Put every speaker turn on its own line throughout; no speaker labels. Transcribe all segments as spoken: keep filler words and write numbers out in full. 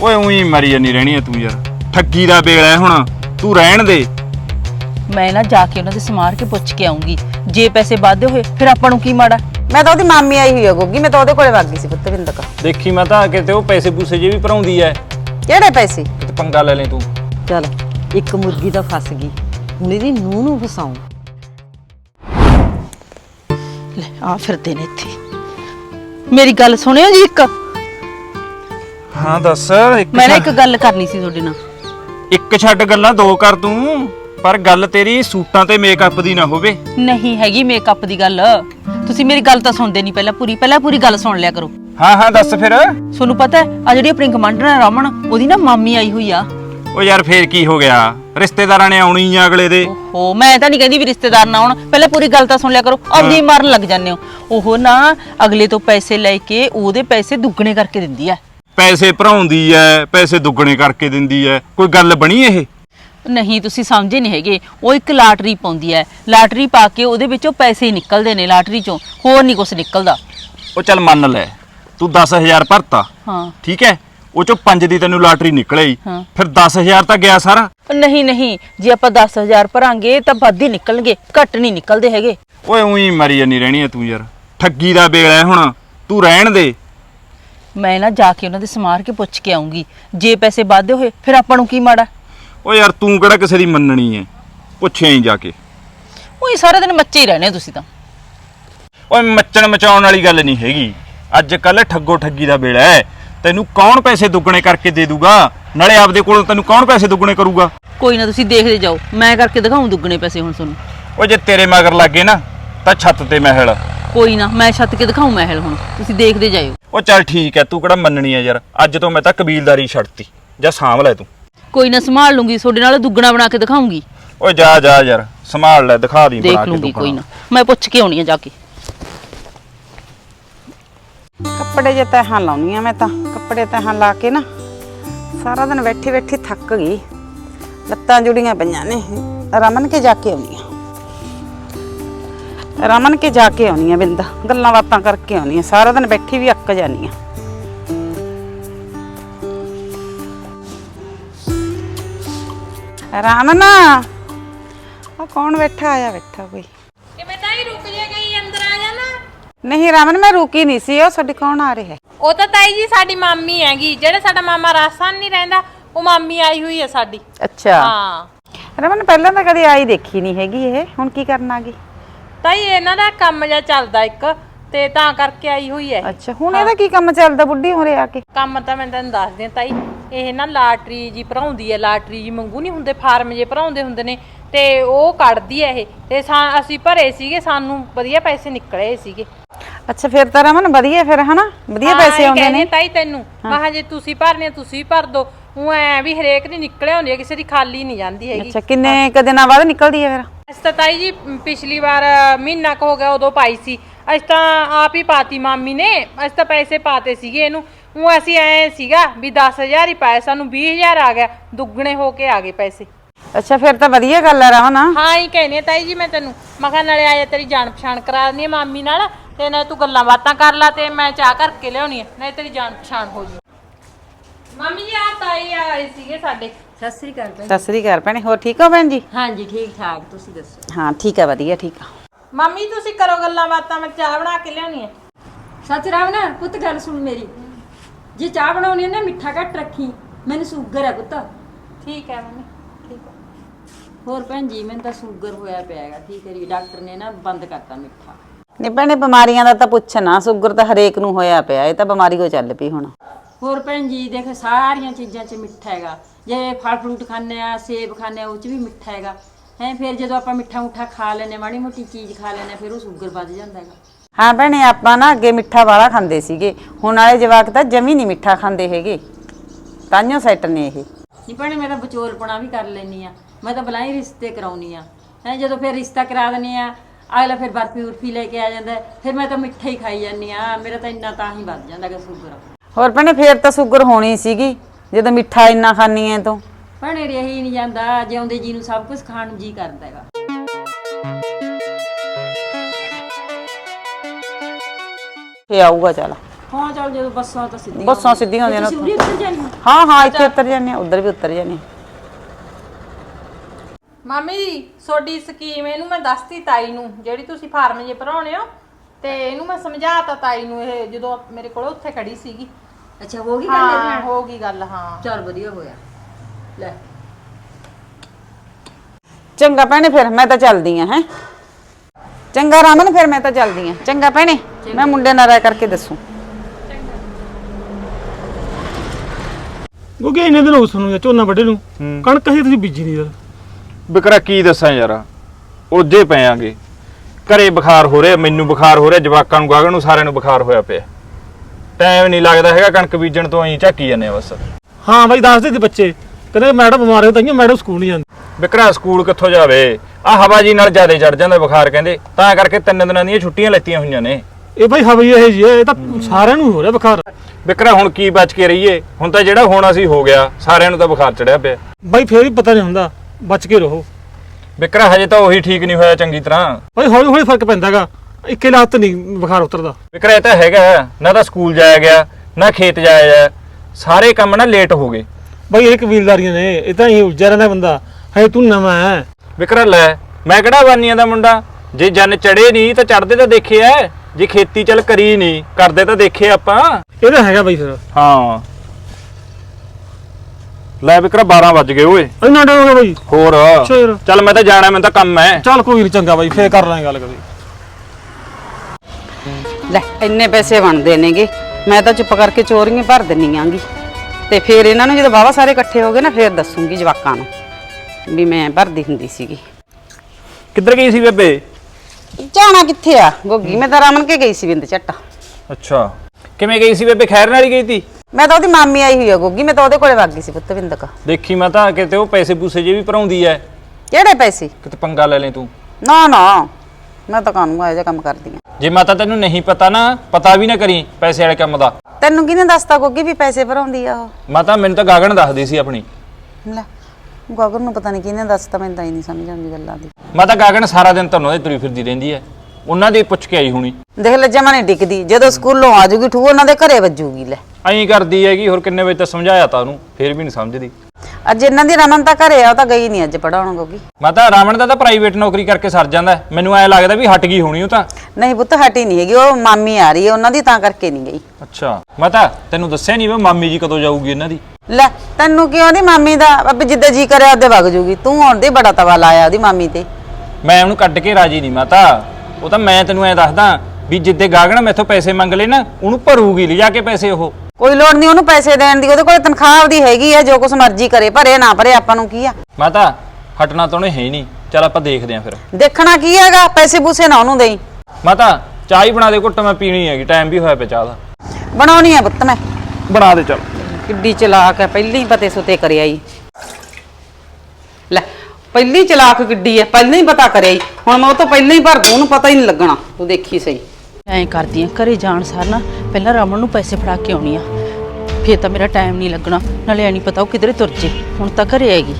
ਓਏ ਉਹੀ ਮਰੀ ਜਾਨੀ ਰਹਿਣੀ ਐ ਤੂੰ ਯਾਰ। ਠੱਗੀ ਦਾ ਵੇਲਾ ਹੈ ਹੁਣ, ਤੂੰ ਰਹਿਣ ਦੇ।
ਮੈਂ ਨਾ ਜਾ ਕੇ ਉਹਨਾਂ ਦੇ ਸਮਾਰ ਕੇ ਪੁੱਛ ਕੇ ਆਉਂਗੀ, ਜੇ ਪੈਸੇ ਵਾਧੇ ਹੋਏ ਫਿਰ ਆਪਾਂ ਨੂੰ ਕੀ ਮਾੜਾ।
ਮੈਂ ਤਾਂ ਉਹਦੀ ਮਾਮੀ ਆਈ ਹੋਈ ਆ ਗੋਗੀ, ਮੈਂ ਤਾਂ ਉਹਦੇ ਕੋਲੇ ਵਗ ਗਈ ਸੀ ਪੁੱਤ ਬਿੰਦਕ।
ਦੇਖੀ ਮੈਂ ਤਾਂ ਕਿਤੇ ਉਹ ਪੈਸੇ ਪੂਸੇ ਜੇ ਵੀ ਭਰਾਉਂਦੀ ਐ।
ਕਿਹੜੇ ਪੈਸੇ?
ਕਿਤੇ ਪੰਗਾ ਲੈ ਲੈ ਤੂੰ।
ਚੱਲ ਇੱਕ ਮੁਰਗੀ ਤਾਂ ਫਸ ਗਈ, ਹੁਣ ਇਹਦੀ ਨੂੰਹ ਨੂੰ ਫਸਾਉਂ।
ਲੈ ਆ ਫਿਰਦੇ ਨੇ ਇੱਥੇ। ਮੇਰੀ ਗੱਲ ਸੁਣਿਓ ਜੀ ਇੱਕ।
ਹਾਂ ਦੱਸ। ਇੱਕ
ਮੈਂ ਨਾ ਇੱਕ ਗੱਲ ਕਰਨੀ ਸੀ ਤੁਹਾਡੇ ਨਾਲ।
ਇੱਕ ਛੱਡ ਗੱਲਾਂ ਦੋ ਕਰ ਤੂੰ, ਪਰ ਗੱਲ ਤੇਰੀ ਸੂਟਾਂ ਤੇ ਮੇਕਅਪ ਦੀ ਨਾ ਹੋਵੇ।
ਨਹੀਂ ਹੈਗੀ ਮੇਕਅਪ ਦੀ ਗੱਲ, ਤੁਸੀਂ ਮੇਰੀ ਗੱਲ ਤਾਂ ਸੁਣਦੇ ਨਹੀਂ। ਪਹਿਲਾਂ ਪੂਰੀ ਪਹਿਲਾਂ ਪੂਰੀ ਗੱਲ ਸੁਣ ਲਿਆ ਕਰੋ।
ਹਾਂ ਹਾਂ ਦੱਸ ਫਿਰ।
ਤੁਹਾਨੂੰ ਪਤਾ ਆ ਜਿਹੜੀ ਆਪਣੀ ਗਮੰਡਣ ਹੈ ਰਮਨ, ਉਹਦੀ ਨਾ ਮਾਮੀ ਆਈ ਹੋਈ ਆ।
ਉਹ ਯਾਰ ਫੇਰ ਕੀ ਹੋ ਗਿਆ, ਰਿਸ਼ਤੇਦਾਰਾਂ ਨੇ ਆਉਣੀ ਆ ਅਗਲੇ ਦੇ।
ਓਹੋ ਮੈਂ ਤਾਂ ਨਹੀਂ ਕਹਿੰਦੀ ਵੀ ਰਿਸ਼ਤੇਦਾਰ ਨਾ ਆਉਣ, ਪਹਿਲਾਂ ਪੂਰੀ ਗੱਲ ਤਾਂ ਸੁਣ ਲਿਆ ਕਰੋ। ਆਪਦੀ ਮਾਰਨ ਲੱਗ ਜਾਂਦੇ ਹੋ। ਉਹ ਨਾ ਅਗਲੇ ਤੋਂ ਪੈਸੇ ਲੈ ਕੇ ਉਹਦੇ ਪੈਸੇ ਦੁੱਗਣੇ ਕਰਕੇ ਦਿੰਦੀ ਆ।
ਪੈਸੇ ਭਰਾਉਂਦੀ ਐ, ਪੈਸੇ ਦੁੱਗਣੇ ਕਰਕੇ ਦਿੰਦੀ ਐ, ਕੋਈ ਗੱਲ ਬਣੀ ਇਹ?
ਨਹੀਂ ਤੁਸੀਂ ਸਮਝੇ ਨਹੀਂ ਹੈਗੇ। ਉਹ ਇੱਕ ਲਾਟਰੀ ਪਾਉਂਦੀ ਹੈ, ਲਾਟਰੀ ਪਾ ਕੇ ਉਹਦੇ ਵਿੱਚੋਂ ਪੈਸੇ ਹੀ ਨਿਕਲਦੇ ਨੇ ਲਾਟਰੀ ਚੋਂ, ਹੋਰ ਨਹੀਂ ਕੁਝ ਨਿਕਲਦਾ।
ਉਹ ਚੱਲ ਮੰਨ ਲੈ ਤੂੰ ਦਸ ਹਜ਼ਾਰ ਭਰਤਾ,
ਹਾਂ
ਠੀਕ ਹੈ, ਉਹ ਚੋਂ ਪੰਜ ਦੀ ਤੈਨੂੰ ਲਾਟਰੀ ਨਿਕਲੇਈ,
ਹਾਂ।
ਫਿਰ ਦਸ ਹਜ਼ਾਰ ਤਾਂ ਗਿਆ ਸਾਰਾ।
ਨਹੀਂ ਨਹੀਂ, ਜੇ ਆਪਾਂ ਦਸ ਹਜ਼ਾਰ ਭਰਾਂਗੇ ਤਾਂ ਵੱਧ ਹੀ ਨਿਕਲਣਗੇ, ਘੱਟ ਨਹੀਂ ਨਿਕਲਦੇ ਹੈਗੇ।
ਓਏ ਉਹੀ ਮਰੀ ਜਾਨੀ ਰਹਿਣੀ ਐ ਤੂੰ ਯਾਰ। ਠੱਗੀ ਦਾ ਵੇਲਾ ਹੈ ਹੁਣ, ਤੂੰ ਰਹਿਣ ਦੇ।
ਮੈਂ ਨਾ ਜਾ ਕੇ ਉਹਨਾਂ ਦੇ ਸਮਾਰ ਕੇ ਪੁੱਛ ਕੇ ਆਉਂਗੀ, ਜੇ ਪੈਸੇ ਵਾਧੇ ਹੋਏ ਫਿਰ ਆਪਾਂ ਨੂੰ ਕੀ ਮਾੜਾ।
ਓ ਯਾਰ ਤੂੰ ਕਿਹੜਾ ਕਿਸੇ ਦੀ ਮੰਨਣੀ ਐ, ਪੁੱਛਿਆ ਹੀ ਜਾ ਕੇ।
ਉਹੀ ਸਾਰਾ ਦਿਨ ਮੱਚੇ ਹੀ ਰਹਿਣੇ ਤੁਸੀਂ ਤਾਂ।
ਓਏ ਮੱਚਣ ਮਚਾਉਣ ਵਾਲੀ ਗੱਲ ਨਹੀਂ ਹੈਗੀ, ਅੱਜ ਕੱਲ ਠੱਗੋ ਠੱਗੀ ਦਾ ਵੇਲਾ ਹੈ। ਤੈਨੂੰ ਕੌਣ ਪੈਸੇ ਦੁੱਗਣੇ ਕਰਕੇ ਦੇ ਦੂਗਾ, ਨਾਲੇ ਆਪਦੇ ਕੋਲੋਂ ਤੈਨੂੰ ਕੌਣ ਪੈਸੇ ਦੁੱਗਣੇ ਕਰੂਗਾ?
ਕੋਈ ਨਾ ਤੁਸੀਂ ਦੇਖਦੇ ਜਾਓ, ਮੈਂ ਕਰਕੇ ਦਿਖਾਉਂ ਦੁੱਗਣੇ ਪੈਸੇ ਹੁਣ ਤੁਹਾਨੂੰ।
ਓ ਜੇ ਤੇਰੇ ਮਗਰ ਲੱਗੇ ਨਾ ਤਾਂ ਛੱਤ ਤੇ ਮਹਿਲ।
ਕੋਈ ਨਾ ਮੈਂ ਛੱਤ ਕੇ ਦਿਖਾਉਂ ਮਹਿਲ, ਹੁਣ ਤੁਸੀਂ ਦੇਖਦੇ ਜਾਇਓ।
ਓ ਚੱਲ ਠੀਕ ਐ, ਤੂੰ ਕਿਹੜਾ ਮੰਨਣੀ ਐ ਯਾਰ। ਅੱਜ ਤੋਂ ਮੈਂ ਤਾਂ ਕਬੀਲਦਾਰੀ ਛੱਡਤੀ, ਜਾਂ ਸਾਂਭ ਲੈ ਤੂੰ।
ਕੋਈ ਨਾ ਸੰਭਾਲ ਲੂੰਗੀ, ਤੁਹਾਡੇ ਨਾਲ ਦੁੱਗਣਾ ਬਣਾ ਕੇ ਦਿਖਾਉਂਗੀ।
ਓਏ ਜਾ ਜਾ ਯਾਰ, ਸੰਭਾਲ ਲੈ, ਦਿਖਾ ਦੀ
ਦੇਖ ਲੂੰਗੀ ਕੋਈ ਨਾ, ਮੈਂ ਪੁੱਛ ਕੇ ਆਉਣੀ ਆ ਜਾ ਕੇ।
ਕੱਪੜੇ ਜੇ ਤੈਹਾਂ ਲਾਉਣੀ ਆ ਮੈਂ ਤਾਂ, ਕੱਪੜੇ ਤੈਹਾਂ ਲਾ ਕੇ ਨਾ ਸਾਰਾ ਦਿਨ ਬੈਠੀ ਬੈਠੀ ਥੱਕ ਗਈ, ਲੱਤਾਂ ਜੁੜੀਆਂ ਪਈਆਂ ਨੇ। ਰਮਨ ਕੇ ਜਾ ਕੇ ਆਉਣੀ ਆ, ਰਮਨ ਕੇ ਜਾ ਕੇ ਆਉਣੀ ਆ ਬਿੰਦਾ, ਗੱਲਾਂ ਬਾਤਾਂ ਕਰਕੇ ਆਉਣੀ ਆ। ਸਾਰਾ ਦਿਨ ਬੈਠੀ ਵੀ ਅੱਕ ਜਾਨੀ ਆ। ਰਮਨ ਆ ਕੌਣ ਬੈਠਾ? ਆਇਆ ਬੈਠਾ ਕੋਈ।
ਕਿਵੇਂ ਤਾਈ ਰੁਕ ਜੇ ਗਈ, ਅੰਦਰ ਆ ਜਾ ਨਾ।
ਨਹੀਂ ਰਮਨ ਮੈਂ ਰੁਕੀ ਨਹੀਂ ਸੀ, ਉਹ ਸਾਡੇ ਕੌਣ ਆ ਰਿਹਾ ਹੈ?
ਉਹ ਤਾਂ ਤਾਈ ਜੀ ਸਾਡੀ ਮਾਮੀ ਹੈਗੀ, ਜਿਹੜੇ ਸਾਡਾ ਮਾਮਾ ਰਾਸਾਨ ਨਹੀਂ ਰਹਿੰਦਾ, ਉਹ ਮਾਮੀ ਆਈ ਹੋਈ ਹੈ ਸਾਡੀ।
ਅੱਛਾ
ਹਾਂ
ਰਮਨ ਪਹਿਲਾਂ ਤਾਂ ਕਦੇ ਆਈ ਦੇਖੀ ਨਹੀਂ ਹੈਗੀ ਇਹ, ਹੁਣ ਕੀ ਕਰਨ ਆ ਗਈ?
ਤਾਈ ਇਹਨਾਂ ਦਾ ਕੰਮ ਜਿਹਾ ਚੱਲਦਾ ਇੱਕ, ਤੇ ਤਾਂ ਕਰਕੇ ਆਈ ਹੋਈ ਹੈ।
ਅੱਛਾ ਹੁਣ ਇਹਦਾ ਕੀ ਕੰਮ ਚੱਲਦਾ ਬੁੱਢੀ ਹੋਰੇ ਆ ਕੇ?
ਕੰਮ ਤਾਂ ਮੈਂ ਤੈਨੂੰ ਦੱਸਦੀ ਹਾਂ ਤਾਈ, ਇਹ ਨਾ ਲਾਟਰੀ ਜੀ ਭਰਾਉਂਦੀ ਹੈ, ਲਾਟਰੀ ਜੀ ਮੰਗੂ ਨਹੀਂ ਹੁੰਦੇ, ਫਾਰਮ ਜੇ ਭਰਾਉਂਦੇ ਹੁੰਦੇ ਨੇ, ਤੇ ਉਹ ਕੱਢਦੀ ਹੈ ਇਹ। ਤੇ ਅਸੀਂ ਭਰੇ ਸੀਗੇ, ਸਾਨੂੰ ਵਧੀਆ ਪੈਸੇ ਨਿਕਲੇ ਸੀਗੇ।
ਅੱਛਾ ਫਿਰ ਤਾਂ ਰਮਨ ਵਧੀਆ, ਫਿਰ ਹਨਾ ਵਧੀਆ ਪੈਸੇ ਆਉਂਦੇ ਨੇ
ਤਾਈ ਤੈਨੂੰ। ਮੈਂ ਕਿਹਾ ਜੇ ਤੁਸੀਂ ਭਰਨੇ ਤੁਸੀਂ ਭਰ ਦੋ, ਉਹ ਐ ਵੀ ਹਰੇਕ ਦੀ ਨਿਕਲੇ ਹੁੰਦੀ ਹੈ, ਕਿਸੇ ਦੀ ਖਾਲੀ ਨਹੀਂ ਜਾਂਦੀ ਹੈਗੀ।
ਅੱਛਾ ਕਿੰਨੇ ਕ ਦਿਨਾਂ ਬਾਅਦ ਨਿਕਲਦੀ ਹੈ ਫਿਰ?
ਅਸੀਂ ਤਾਂ ਤਾਈ ਜੀ ਪਿਛਲੀ ਵਾਰ ਮਹੀਨਾ ਕੁ ਹੋ ਗਿਆ ਉਦੋਂ ਪਾਈ ਸੀ, ਅਸੀਂ ਤਾਂ ਆਪ ਹੀ ਪਾਤੀ ਮਾਮੀ ਨੇ, ਅਸੀਂ ਤਾਂ ਪੈਸੇ ਪਾਤੇ ਸੀਗੇ ਇਹਨੂੰ। ਉਹ ਅਸੀਂ ਐ ਸੀਗਾ ਵੀ ਦਸ ਹਜ਼ਾਰ ਹੀ ਪਾਏ, ਸਾਨੂੰ ਵੀਹ ਹਜ਼ਾਰ ਆ ਗਿਆ, ਦੁੱਗਣੇ ਹੋ ਕੇ ਆ ਗਏ ਪੈਸੇ।
ਅੱਛਾ ਫਿਰ ਤਾਂ ਵਧੀਆ ਗੱਲ ਆ ਰਮਨ।
ਹਾਂ ਹੀ ਕਹਿੰਦੀ ਤਾਈ ਜੀ ਮੈਂ ਤੈਨੂੰ। ਮੈਂ ਕਿਹਾ ਨਾਲੇ ਆਇਆ ਤੇਰੀ ਜਾਣ ਪਛਾਣ ਕਰਾ ਦਿੰਦੀ ਆ ਮਾਮੀ ਨਾਲ, ਤੇ ਨਾ ਤੂੰ ਗੱਲਾਂ ਬਾਤਾਂ ਕਰ ਲਾ, ਤੇ ਮੈਂ ਚਾਹ ਕਰਕੇ ਲਿਆਉਣੀ ਆ, ਨਾ ਤੇਰੀ ਜਾਣ ਪਛਾਣ ਹੋ ਜੂ। ਮਾਮੀ ਜੀ ਆ ਤਾਈ ਆਏ ਸੀਗੇ ਸਾਡੇ।
ਸਤਿ ਸ੍ਰੀ ਅਕਾਲ ਭੈਣ।
ਸਤਿ ਸ੍ਰੀ ਅਕਾਲ ਭੈਣੇ, ਹੋਰ ਠੀਕ ਹੋ ਭੈਣ ਜੀ?
ਹਾਂਜੀ ਠੀਕ ਠਾਕ, ਤੁਸੀਂ ਦੱਸੋ?
ਹਾਂ ਠੀਕ ਆ ਵਧੀਆ ਠੀਕ ਆ।
ਮਾਮੀ ਤੁਸੀਂ ਕਰੋ ਗੱਲਾਂ ਬਾਤਾਂ, ਮੈਂ ਚਾਹ ਬਣਾ ਕੇ ਲਿਆਉਣੀ ਆ।
ਸੱਚ ਰਾਵਣਾ ਪੁੱਤ ਗੱਲ ਸੁਣ ਮੇਰੀ, ਜੇ ਚਾਹ ਬਣਾਉਣੀ ਹੈ ਨਾ ਮਿੱਠਾ ਘੱਟ ਰੱਖੀ, ਮੈਨੂੰ ਸ਼ੂਗਰ ਹੈ ਪੁੱਤ।
ਠੀਕ ਹੈ ਮੰਮੀ, ਠੀਕ ਹੈ।
ਹੋਰ ਭੈਣ ਜੀ ਮੈਨੂੰ ਤਾਂ ਸ਼ੂਗਰ ਹੋਇਆ ਪਿਆ ਹੈਗਾ, ਕੀ ਕਰੀ, ਡਾਕਟਰ ਨੇ ਨਾ ਬੰਦ ਕਰਤਾ ਮਿੱਠਾ।
ਨਹੀਂ ਭੈਣੇ ਬਿਮਾਰੀਆਂ ਦਾ ਤਾਂ ਪੁੱਛ ਨਾ, ਸ਼ੂਗਰ ਤਾਂ ਹਰੇਕ ਨੂੰ ਹੋਇਆ ਪਿਆ, ਇਹ ਤਾਂ ਬਿਮਾਰੀ ਕੋ ਚੱਲ ਪਈ ਹੁਣ।
ਹੋਰ ਭੈਣ ਜੀ ਦੇਖ ਸਾਰੀਆਂ ਚੀਜ਼ਾਂ 'ਚ ਮਿੱਠਾ ਹੈਗਾ, ਜੇ ਫਲ ਫਰੂਟ ਖਾਂਦੇ ਆ, ਸੇਬ ਖਾਂਦੇ ਆ, ਉਹ 'ਚ ਵੀ ਮਿੱਠਾ ਹੈਗਾ ਹੈ। ਫਿਰ ਜਦੋਂ ਆਪਾਂ ਮਿੱਠਾ ਮੁੱਠਾ ਖਾ ਲੈਂਦੇ, ਮਾੜੀ ਮੋਟੀ ਚੀਜ਼ ਖਾ ਲੈਂਦੇ, ਫਿਰ ਉਹ ਸ਼ੂਗਰ ਵੱਧ ਜਾਂਦਾ ਹੈਗਾ।
ਹਾਂ ਭੈਣੇ ਆਪਾਂ ਨਾ ਅੱਗੇ ਮਿੱਠਾ ਵਾਲਾ ਖਾਂਦੇ ਸੀਗੇ, ਹੁਣ ਵਾਲੇ ਜਵਾਕ ਤਾਂ ਜਮੀ ਨਹੀਂ ਮਿੱਠਾ ਖਾਂਦੇ ਹੈਗੇ, ਤਾਂਹੀਓ ਸੈੱਟ ਨੇ ਇਹ।
ਨਹੀਂ ਭੈਣੇ ਮੈਂ ਤਾਂ ਵਿਚੋਲਪਣਾ ਵੀ ਕਰ ਲੈਂਦੀ ਆ, ਮੈਂ ਤਾਂ ਬਲਾਈ ਰਿਸ਼ਤੇ ਕਰਾਉਣੀ ਆ ਹੈ। ਜਦੋਂ ਫਿਰ ਰਿਸ਼ਤਾ ਕਰਾ ਦਿੰਦੇ ਆ, ਅਗਲਾ ਫਿਰ ਬਰਫੀ ਉਰਫੀ ਲੈ ਕੇ ਆ ਜਾਂਦਾ, ਫਿਰ ਮੈਂ ਤਾਂ ਮਿੱਠਾ ਹੀ ਖਾਈ ਜਾਂਦੀ ਆ, ਮੇਰਾ ਤਾਂ ਇੰਨਾ ਤਾਂ ਹੀ ਵੱਧ ਜਾਂਦਾ ਗਾ ਸ਼ੂਗਰ।
ਹੋਰ ਭੈਣੇ ਫੇਰ ਤਾਂ ਸ਼ੂਗਰ ਹੋਣੀ ਸੀਗੀ ਜਦੋਂ ਮਿੱਠਾ ਇੰਨਾ ਖਾਣੀ ਐ ਤੂੰ।
ਭੈਣੇ ਰਿਹਾ ਹੀ ਨਹੀਂ ਜਾਂਦਾ, ਜਿਉਂਦੇ ਜੀ ਨੂੰ ਸਭ ਕੁਝ ਖਾਣ ਨੂੰ ਜੀ ਕਰਦਾ ਹੈਗਾ।
ਫੇ ਆਊਗਾ ਚੱਲ।
ਹਾਂ ਚੱਲ ਜਦੋਂ ਬੱਸਾਂ ਤਾਂ ਸਿੱਧੀਆਂ
ਬੱਸਾਂ ਸਿੱਧੀਆਂ ਹੁੰਦੀਆਂ ਨੇ
ਤੁਸੀਂ ਉਰੀ ਉੱਤਰ ਜਾਣੀ।
ਹਾਂ ਹਾਂ ਇੱਥੇ ਉਤਰ ਜਾਂਦੇ ਆ, ਉਧਰ ਵੀ ਉਤਰ ਜਾਂਦੇ ਆ।
ਮਾਮੀ ਜੀ ਤੁਹਾਡੀ ਸਕੀਮ ਇਹਨੂੰ ਮੈਂ ਦੱਸਤੀ ਤਾਈ ਨੂੰ, ਜਿਹੜੀ ਤੁਸੀਂ ਫਾਰਮ ਜੇ ਭਰਾਉਣੇ ਹੋ, ਤੇ ਇਹਨੂੰ ਮੈਂ ਸਮਝਾਤਾ ਤਾਈ ਨੂੰ, ਇਹ ਜਦੋਂ ਮੇਰੇ ਕੋਲ ਉੱਥੇ ਖੜੀ ਸੀਗੀ।
ਅੱਛਾ ਹੋ ਗਈ ਗੱਲ
ਹਾਂ
ਇਹਦੇ ਨਾਲ?
ਹੋ ਗਈ ਗੱਲ। ਹਾਂ
ਚੱਲ ਵਧੀਆ ਹੋਇਆ। ਲੈ
ਚੰਗਾ ਭੈਣੇ ਫਿਰ ਮੈਂ ਤਾਂ ਚੱਲਦੀ ਆ। ਹੈ ਚੰਗਾ ਰਮਨ, ਫਿਰ ਮੈਂ ਤਾਂ ਚੱਲਦੀ ਆ। ਚੰਗਾ ਭੈਣੇ, ਮੈਂ ਮੁੰਡੇ ਨਾਲ ਰਾਇ ਕਰਕੇ ਦੱਸੂ।
ਕਿਉਂਕਿ ਇਹਨੇ ਦਿਨ ਉਸ ਨੂੰ ਝੋਨਾ ਵੱਢੇ ਨੂੰ ਕਣਕ ਹੀ ਤੁਸੀਂ ਬੀਜੀ ਨਹੀਂ ਯਾਰ।
ਵਿਕਰਾ ਕੀ ਦੱਸਾਂ ਯਾਰ, ਉਲਝੇ ਪਏ ਆਂਗੇ। ਘਰੇ ਬੁਖਾਰ ਹੋ ਰਿਹਾ, ਮੈਨੂੰ ਬੁਖਾਰ ਹੋ ਰਿਹਾ, ਜਵਾਕਾਂ ਨੂੰ ਗਾਗਣ ਨੂੰ ਸਾਰਿਆਂ ਨੂੰ ਬੁਖਾਰ ਹੋਇਆ ਪਿਆ। ਟਾਈਮ ਨਹੀਂ ਲੱਗਦਾ ਹੈਗਾ ਕਣਕ ਬੀਜਣ ਤੋਂ, ਐਂ ਝਾਕੀ ਜਾਂਦੇ ਆ ਬਸ।
ਹਾਂ ਬਾਈ ਦੱਸਦੇ ਸੀ ਬੱਚੇ, ਕਹਿੰਦੇ ਮੈਡਮ ਬਿਮਾਰ ਹੋ ਤਾਂ ਮੈਡਮ ਸਕੂਲ ਨਹੀਂ ਜਾਂਦੀ।
ਵਿਕਰਾ ਸਕੂਲ ਕਿੱਥੋਂ ਜਾਵੇ, ਆ ਹਵਾ ਜੀ ਨਾਲ ਜ਼ਿਆਦਾ ਚੜ ਜਾਂਦਾ ਬੁਖਾਰ, ਕਹਿੰਦੇ ਤਾਂ ਕਰਕੇ ਤਿੰਨ ਦਿਨਾਂ ਦੀਆਂ ਛੁੱਟੀਆਂ ਲੈਤੀਆਂ ਹੋਈਆਂ ਨੇ।
ਇਹ ਬਾਈ ਹਵਾਈ ਇਹ ਜੀ ਇਹ ਤਾਂ ਸਾਰਿਆਂ ਨੂੰ ਹੋ ਰਿਹਾ ਬੁਖਾਰ।
ਵਿਕਰਾ ਹੁਣ ਕੀ ਬਚ ਕੇ ਰਹੀਏ, ਹੁਣ ਤਾਂ ਜਿਹੜਾ ਹੋਣਾ ਸੀ ਹੋ ਗਿਆ, ਸਾਰਿਆਂ ਨੂੰ ਤਾਂ ਬੁਖਾਰ ਚੜਿਆ ਪਿਆ।
ਬਾਈ ਫੇਰ ਵੀ ਪਤਾ ਨਹੀਂ ਹੁੰਦਾ, ਬਚ ਕੇ ਰਹੋ।
ਵਿਕਰਾ ਹਜੇ ਤਾਂ ਉਹੀ ਠੀਕ ਨਹੀਂ ਹੋਇਆ ਚੰਗੀ ਤਰ੍ਹਾਂ।
ਬਾਈ ਹੌਲੀ ਹੌਲੀ ਫਰਕ ਪੈਂਦਾਗਾ, ਇੱਕੇ ਲੱਤ ਨਹੀਂ ਬੁਖਾਰ ਉਤਰਦਾ।
ਵਿਕਰਾ ਇਹ ਤਾਂ ਹੈਗਾ, ਨਾ ਤਾਂ ਸਕੂਲ ਜਾਇਆ ਗਿਆ ਨਾ ਖੇਤ ਜਾਇਆ ਗਿਆ, ਸਾਰੇ ਕੰਮ ਨਾ ਲੇਟ ਹੋ ਗਏ।
ਬਾਈ ਇਹ ਕਬੀਲਦਾਰੀਆਂ ਨੇ, ਇਹ ਤਾਂ ਇਹ ਉਲਝਿਆ ਰਹਿੰਦਾ ਬੰਦਾ। ਹੈ ਤੂੰ ਨਵਾਂ ਹੈ।
ਵਿਕਰਾ ਲੈ, ਮੈਂ ਕਿਹੜਾ ਬਾਨੀਆਂ ਦਾ ਮੁੰਡਾ, ਜੇ ਜਨ ਚੜੇ ਨਹੀਂ ਤਾਂ ਚੜਦੇ ਤਾਂ ਦੇਖੇ ਐ, ਜੇ ਖੇਤੀ ਚੱਲ ਕਰੀ ਨਹੀਂ ਕਰਦੇ ਤਾਂ ਦੇਖੇ ਆਪਾਂ।
ਇਹ ਤਾਂ ਹੈਗਾ ਬਾਈ ਫਿਰ।
ਹਾਂ ਲੈ ਵਿਕਰਾ ਬਾਰਾਂ ਵੱਜ ਗਏ ਓਏ।
ਇੰਨਾ ਟਾਈਮ ਹੋ ਗਿਆ ਬਾਈ?
ਹੋਰ
ਚਲ
ਚੱਲ ਮੈਂ ਤਾਂ ਜਾਣਾ, ਮੈਨੂੰ ਤਾਂ ਕੰਮ ਐ।
ਚੱਲ ਕੋਈ ਨਹੀਂ, ਚੰਗਾ ਬਾਈ, ਫੇਰ ਕਰ ਲਾਂਗੇ ਗੱਲ ਕਦੇ।
ਲੈ ਇੰਨੇ ਪੈਸੇ ਬਣਦੇ ਨੇਗੇ, ਮੈਂ ਤਾਂ ਚੁੱਪ ਕਰਕੇ ਚੋਰੀਆਂ ਭਰ ਦਿੰਨੀ ਆਂਗੀ, ਤੇ ਫਿਰ ਇਹਨਾਂ ਨੂੰ ਜਦੋਂ ਬਾਵਾ ਸਾਰੇ ਇਕੱਠੇ ਹੋ ਗਏ ਨਾ, ਫਿਰ ਦੱਸੂਗੀ ਜਵਾਕਾਂ ਨੂੰ ਵੀ ਮੈਂ ਭਰਦੀ ਹੁੰਦੀ ਸੀਗੀ।
ਕਿੱਧਰ ਗਈ ਸੀ ਬੇਬੇ?
ਜਾਣਾ ਕਿੱਥੇ ਆ ਗੋਗੀ, ਮੈਂ ਤਾਂ ਰਮਨ ਕੇ ਗਈ ਸੀ ਬਿੰਦ ਝੱਟਾ।
ਅੱਛਾ ਕਿਵੇਂ ਗਈ ਸੀ ਬੇਬੇ? ਖੈਰ ਨਾਲ ਹੀ ਗਈ ਤੀ?
ਮੈਂ ਤਾਂ ਉਹਦੀ ਮਾਮੀ ਆਈ ਹੋਈ ਆ ਗੋਗੀ, ਮੈਂ ਤਾਂ ਉਹਦੇ ਕੋਲੇ ਵਗ ਗਈ ਸੀ ਪੁੱਤ ਬਿੰਦਕ।
ਦੇਖੀ ਮੈਂ ਤਾਂ ਕਿਤੇ ਉਹ ਪੈਸੇ ਪੂਸੇ ਜੇ ਵੀ ਭਰਾਉਂਦੀ ਐ,
ਕਿਹੜੇ ਪੈਸੇ?
ਕਿਤੇ ਪੰਗਾ ਲੈ ਲੈ ਤੂੰ।
ਨਾ ਨਾ, ਮੈਂ ਤਾਂ ਕਾਹਨੂੰ ਇਹੋ ਜਿਹਾ ਕੰਮ ਕਰਦੀ ਆ।
ਜੇ ਮਾਤਾ ਤੈਨੂੰ ਨਹੀਂ ਪਤਾ ਨਾ, ਪਤਾ ਵੀ ਨਾ ਕਰੀ ਪੈਸੇ ਵਾਲੇ ਕੰਮ ਦਾ।
ਤੈਨੂੰ ਕਿਹਨੇ ਦੱਸਤਾ ਗੋਗੀ ਵੀ ਪੈਸੇ ਭਰਾਉਂਦੀ ਆ ਉਹ?
ਮਾਤਾ ਮੈਨੂੰ ਤਾਂ ਗਾਗਣ ਦੱਸਦੀ ਸੀ ਆਪਣੀ।
ਲੈ ਗੋਗਨ ਨੂੰ ਪਤਾ ਨਹੀਂ ਕਿਹਨੇ ਦੱਸਤਾ, ਮੈਨੂੰ ਤਾਂ ਹੀ ਨਹੀਂ ਸਮਝ ਆਉਂਦੀ ਗੱਲਾਂ ਦੀ।
ਮਾਤਾ ਗਾਗਣ ਸਾਰਾ ਦਿਨ ਤੁਹਾਨੂੰ ਉਹਦੇ ਤੁਰੀ ਫਿਰਦੀ ਰਹਿੰਦੀ ਐ, ਉਹਨਾਂ ਦੀ ਪੁੱਛ ਕੇ ਆਈ ਹੋਣੀ।
ਦੇਖ ਲੈ ਜਮਾ ਨਹੀਂ ਟਿਕਦੀ, ਜਦੋਂ ਸਕੂਲੋਂ ਆ ਜੂਗੀ ਠੂ ਉਹਨਾਂ ਦੇ ਘਰੇ ਵੱਜੂਗੀ। ਲੈ
ਐਂ ਕਰਦੀ ਹੈਗੀ, ਹੋਰ ਕਿੰਨੇ ਵਜੇ ਤਾਂ ਸਮਝਾਇਆ ਤਾਂ ਉਹਨੂੰ, ਫੇਰ ਵੀ ਨਹੀਂ ਸਮਝਦੀ।
ਅੱਜ ਇਹਨਾਂ ਦੀ ਰਮਨ ਤਾਂ ਘਰੇ ਆ, ਉਹ ਤਾਂ ਗਈ ਨਹੀਂ ਅੱਜ ਪੜਾਉਣ ਗੋਗੀ।
ਮਾਤਾ ਰਾਵਣ ਦਾ ਤਾਂ ਪ੍ਰਾਈਵੇਟ ਨੌਕਰੀ ਕਰਕੇ ਸਰ ਜਾਂਦਾ, ਮੈਨੂੰ ਐ ਲੱਗਦਾ ਵੀ ਹਟ ਗਈ ਹੋਣੀ ਉਹ ਤਾਂ।
ਨਹੀਂ ਪੁੱਤ ਹਟੀ ਨਹੀਂ ਹੈਗੀ, ਉਹ ਮਾਮੀ ਆ ਰਹੀ ਹੈ ਉਹਨਾਂ ਦੀ, ਤਾਂ ਕਰਕੇ ਨਹੀਂ ਗਈ।
ਅੱਛਾ ਮਾਤਾ ਤੈਨੂੰ ਦੱਸਿਆ ਨਹੀਂ ਵੀ ਮਾਮੀ ਜੀ ਕਦੋਂ ਜਾਊਗੀ ਇਹਨਾਂ ਦੀ?
ਲੈ ਤੈਨੂੰ ਕਿਉਂ ਉਹਦੀ ਮਾਮੀ ਦਾ, ਅੱਬੇ ਜਿੱਦਾਂ ਜੀ ਕਰਿਆ ਉਹਦੇ ਵਗ ਜੂਗੀ। ਤੂੰ ਆਉਂਦੀ ਬੜਾ ਤਵਾ ਲਾਇਆ ਉਹਦੀ ਮਾਮੀ ਤੇ।
ਮੈਂ ਉਹਨੂੰ ਕੱਢ ਕੇ ਰਾਜੀ ਨਹੀਂ ਮਾਤਾ, ਉਹ ਤਾਂ ਮੈਂ ਤੈਨੂੰ ਐ ਦੱਸਦਾ ਵੀ ਜਿੱਦੇ ਗਾਗਣ ਮੈਥੋਂ ਪੈਸੇ ਮੰਗ ਲਏ ਨਾ, ਉਹਨੂੰ ਭਰੂਗੀ ਲਿਜਾ ਕੇ ਪੈਸੇ। ਉਹ
ਕੋਈ ਲੋੜ ਨਹੀਂ ਉਹਨੂੰ ਪੈਸੇ ਦੇਣ ਦੀ, ਉਹਦੇ ਕੋਲ ਤਨਖਾਹ ਉਹਦੀ ਹੈਗੀ ਆ, ਜੋ ਕੁਛ ਮਰਜ਼ੀ ਕਰੇ, ਭਰੇ ਨਾ ਭਰੇ ਆਪਾਂ ਨੂੰ ਕੀ ਆ।
ਮਾਤਾ ਹਟਣਾ ਤਾਂ ਉਹਨੇ ਹੈ ਹੀ ਨਹੀਂ, ਚੱਲ ਆਪਾਂ ਦੇਖਦੇ ਆਂ ਫਿਰ।
ਦੇਖਣਾ ਕੀ ਹੈਗਾ, ਪੈਸੇ ਪੂਸੇ ਨਾ ਉਹਨੂੰ ਦੇਈ।
ਮਾਤਾ ਚਾਹ ਹੀ ਬਣਾ ਦੇ ਘੁੱਟ, ਮੈਂ ਪੀਣੀ ਹੈਗੀ, ਟਾਈਮ ਵੀ ਹੋਇਆ ਪਿਆ ਚਾਹ ਦਾ।
ਬਣਾਉਣੀ ਆ ਪੁੱਤ ਮੈਂ।
ਬਣਾ ਦੇ ਚੱਲ।
ਕਿੱਡੀ ਚਲਾਕ ਹੈ, ਪਹਿਲਾਂ ਹੀ ਪਤੇ ਸੁਤੇ ਕਰਿਆ ਈ। ਲੈ ਪਹਿਲੀ ਚਲਾਕ ਕਿੱਡੀ ਹੈ, ਪਹਿਲਾਂ ਹੀ ਪਤਾ ਕਰਿਆ ਈ। ਹੁਣ ਮੈਂ ਉਹ ਤੋਂ ਪਹਿਲਾਂ ਹੀ ਭਰ ਦੂੰ, ਉਹਨੂੰ ਪਤਾ ਹੀ ਨਹੀਂ ਲੱਗਣਾ। ਤੂੰ ਦੇਖੀ ਸਹੀ।
ਐਂ ਕਰਦੀ ਆ, ਘਰੇ ਜਾਣ ਸਾਰ ਨਾ ਪਹਿਲਾਂ ਰਮਨ ਨੂੰ ਪੈਸੇ ਫੜਾ ਕੇ ਆਉਣੀ ਆ, ਫੇਰ ਤਾਂ ਮੇਰਾ ਟਾਈਮ ਨਹੀਂ ਲੱਗਣਾ, ਨਾਲੇ ਐ ਨਹੀਂ ਪਤਾ ਉਹ ਕਿਧਰੇ ਤੁਰ ਜੇ। ਹੁਣ ਤਾਂ ਘਰੇ ਆਏਗੀ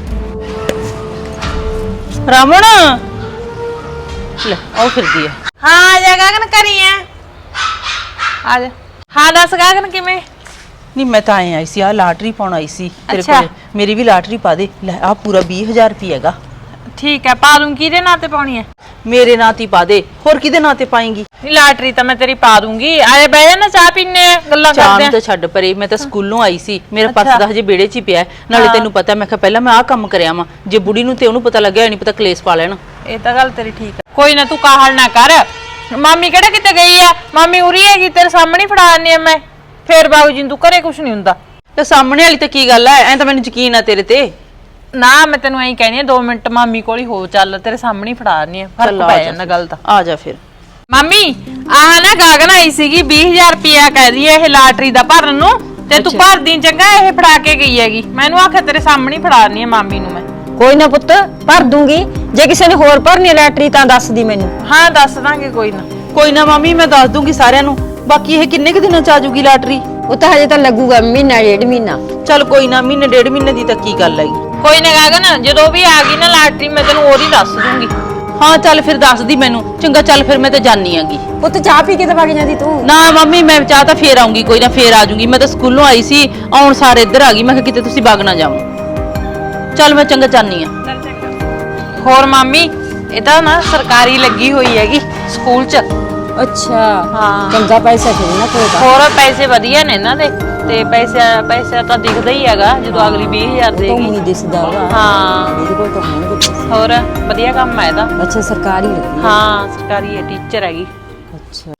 ਰਮਨ। ਲੈ ਆਓ ਫਿਰਦੀ ਆ।
ਹਾਂ ਆ ਜਾ ਗਗਨ, ਕਰੀ ਆ ਆ ਜਾ। ਹਾਂ ਦੱਸ ਗਗਨ ਕਿਵੇਂ?
ਨਹੀਂ ਮੈਂ ਤਾਂ ਐਂ ਆਈ ਸੀ, ਆ ਲਾਟਰੀ ਪਾਉਣ ਆਈ ਸੀ ਤੇਰੇ
ਅੱਛਾ।
ਕੋਲ, ਮੇਰੀ ਵੀ ਲਾਟਰੀ ਪਾ ਦੇ। ਲੈ ਆ ਪੂਰਾ ਵੀਹ ਹਜ਼ਾਰ ਰੁਪਏ ਹੈਗਾ।
ਠੀਕ ਹੈ, ਪਾ ਦੂੰ। ਕਿਹਦੇ ਨਾਂ ਤੇ ਪਾਉਣੀ ਹੈ?
ਮੇਰੇ ਨਾਂ ਤੇ ਪਾ ਦੇ, ਹੋਰ ਕਿਹਦੇ ਨਾਂ ਤੇ ਪਾਏਂਗੀ?
ਲਾਟਰੀ ਤਾਂ ਮੈਂ ਤੇਰੀ ਪਾ ਦੂੰਗੀ। ਆਏ ਬਹਿ ਜਾ ਨਾ, ਚਾਹ ਪੀਨੇ ਆ, ਗੱਲਾਂ
ਚਾਹ
ਕਰਦੇ
ਨੂੰ
ਆ।
ਤਾਂ ਛੱਡ ਪਰੇ, ਮੈਂ ਤਾਂ ਸਕੂਲੋਂ ਆਈ ਸੀ, ਮੇਰਾ
ਅੱਛਾ।
ਪਰਸ ਦਾ ਹਜੇ ਵਿਹੜੇ 'ਚ ਹੀ ਪਿਆ, ਨਾਲੇ ਤੈਨੂੰ ਪਤਾ ਮੈਂ ਕਿਹਾ ਪਹਿਲਾਂ ਮੈਂ ਆਹ ਕੰਮ ਕਰਿਆ ਵਾਂ, ਜੇ ਬੁੜੀ ਨੂੰ ਤੇ ਉਹਨੂੰ ਪਤਾ ਲੱਗਿਆ ਨਹੀਂ ਪਤਾ ਕਲੇਸ਼ ਪਾ ਲੈਣ।
ਇਹ ਤਾਂ ਗੱਲ ਤੇਰੀ ਠੀਕ ਹੈ, ਕੋਈ ਨਾ ਤੂੰ ਕਾਹਲ ਨਾ ਕਰ। ਮਾਮੀ ਕਿਹੜਾ ਕਿਤੇ ਗਈ ਆ? ਮਾਮੀ ਉਰੀ ਹੈਗੀ, ਤੇਰੇ ਸਾਹਮਣੇ ਫੜਾ ਆਨੀ ਆ ਮੈਂ। ਫੇਰ ਬਾਬੂ ਜੀ ਤੂੰ ਘਰੇ ਕੁਛ ਨਹੀਂ ਹੁੰਦਾ।
ਤੇ ਸਾਹਮਣੇ ਵਾਲੀ ਤਾਂ ਕੀ ਗੱਲ ਐ, ਐਂ ਤਾਂ ਮੈਨੂੰ ਯਕੀਨ ਆ ਤੇਰੇ ਤੇ।
ਨਾ ਮੈਂ ਤੈਨੂੰ ਐਂ ਕਹਿੰਦੀ ਆ, ਦੋ ਮਿੰਟ ਮਾਮੀ ਕੋਲ ਹੀ ਹੋ, ਚੱਲ ਤੇਰੇ ਸਾਹਮਣੇ ਹੀ ਫੜਾ ਆਨੀ ਆ, ਫਰਕ ਪੈ ਜਾਂਦਾ ਗੱਲ ਦਾ।
ਆ ਜਾ ਫਿਰ।
ਮਾਮੀ ਆਹ ਨਾ ਗਾਗਨ ਆਈ ਸੀਗੀ, ਵੀਹ ਹਜ਼ਾਰ ਰੁਪਇਆ ਕਹਿਦੀ ਇਹ ਲਾਟਰੀ ਦਾ ਭਰਨ ਨੂੰ, ਤੇ ਤੂੰ ਭਰਦੀ ਚੰਗਾ, ਇਹ ਫੜਾ ਕੇ ਗਈ ਹੈਗੀ ਮੈਨੂੰ। ਆਖਿਆ ਤੇਰੇ ਸਾਹਮਣੇ ਹੀ ਫੜਾ ਆਨੀ ਆ ਮਾਮੀ ਨੂੰ ਮੈਂ।
ਕੋਈ ਨਾ ਪੁੱਤ ਭਰ ਦੂੰਗੀ, ਜੇ ਕਿਸੇ ਨੇ ਹੋਰ ਭਰਨੀ ਲੈਟਰੀ ਤਾਂ ਦੱਸ ਦੀ ਮੈਨੂੰ।
ਹਾਂ ਦੱਸ ਦਾਂਗੇ, ਕੋਈ ਨਾ।
ਕੋਈ ਨਾ ਮਾਮੀ, ਮੈਂ ਦੱਸ ਦੂੰਗੀ ਸਾਰਿਆਂ ਨੂੰ। ਬਾਕੀ ਇਹ ਕਿੰਨੇ ਕੁ ਦਿਨਾਂ ਚ ਆ ਜੂਗੀ ਲਾਟਰੀ?
ਉਹ ਤਾਂ ਹਜੇ ਤਾਂ ਲੱਗੂਗਾ ਮਹੀਨਾ ਡੇਢ ਮਹੀਨਾ।
ਚੱਲ ਕੋਈ ਨਾ, ਮਹੀਨੇ ਡੇਢ ਮਹੀਨੇ ਦੀ ਤਾਂ ਕੀ ਗੱਲ ਹੈਗੀ।
ਕੋਈ ਨਾ ਗਾਗਨ, ਜਦੋਂ ਵੀ ਆ ਗਈ ਨਾ ਲਾਟਰੀ ਮੈਂ ਤੈਨੂੰ ਉਹਦੀ ਦੱਸ ਦੂੰਗੀ।
ਹਾਂ ਚੱਲ ਫਿਰ ਦੱਸਦੀ ਮੈਨੂੰ। ਚੰਗਾ ਚੱਲ ਫਿਰ ਮੈਂ ਤਾਂ ਜਾਣੀ ਆਂਗੀ।
ਪੁੱਤ ਚਾਹ ਪੀ ਕੇ ਤਾਂ ਵਗ ਜਾਂਦੀ ਤੂੰ।
ਨਾ ਮੰਮੀ ਮੈਂ ਚਾਹ ਤਾਂ ਫੇਰ ਆਉਂਗੀ, ਕੋਈ ਨਾ ਫੇਰ ਆ ਜਾਊਂਗੀ। ਮੈਂ ਤਾਂ ਸਕੂਲੋਂ ਆਈ ਸੀ, ਆਉਣ ਸਾਰੇ ਇੱਧਰ ਆ ਗਈ। ਮੈਂ ਕਿਹਾ ਕਿਤੇ ਤੁਸੀਂ ਵਗ ਨਾ ਜਾਓ। ਚੱਲ ਮੈਂ ਚੰਗਾ ਜਾਣੀ ਆ।
ਹੋਰ ਮਾਮੀ ਇਹ ਤਾਂ ਨਾ ਸਰਕਾਰੀ ਲੱਗੀ ਹੋਈ ਹੈਗੀ ਸਕੂਲ 'ਚ।
ਅੱਛਾ
ਹਾਂ।
ਚੰਗਾ ਪੈਸਾ ਫਿਰ ਨਾ ਕੋਈ
ਹੋਰ ਪੈਸੇ ਵਧੀਆ ਨੇ ਇਹਨਾਂ ਦੇ ਤੇ ਪੈਸੇ ਪੈਸਾ ਤਾਂ ਦਿਖਦਾ ਹੀ ਹੈਗਾ ਜਦੋਂ ਅਗਲੀ ਵੀਹ ਹਜ਼ਾਰ
ਤਾਂ
ਦੇਗੀ।
ਨਹੀਂ ਦਿਸਦਾ ਵਾ।
ਹਾਂ
ਇਹਦੇ ਕੋਲ ਤਾਂ ਹੋਣਗੇ ਪੈਸੇ।
ਹੋਰ ਵਧੀਆ ਕੰਮ ਹੈ ਇਹਦਾ।
ਅੱਛਾ ਸਰਕਾਰੀ ਲੱਗੀ ਹੈ।
ਹਾਂ ਸਰਕਾਰੀ ਹੈ, ਟੀਚਰ ਹੈਗੀ।
ਅੱਛਾ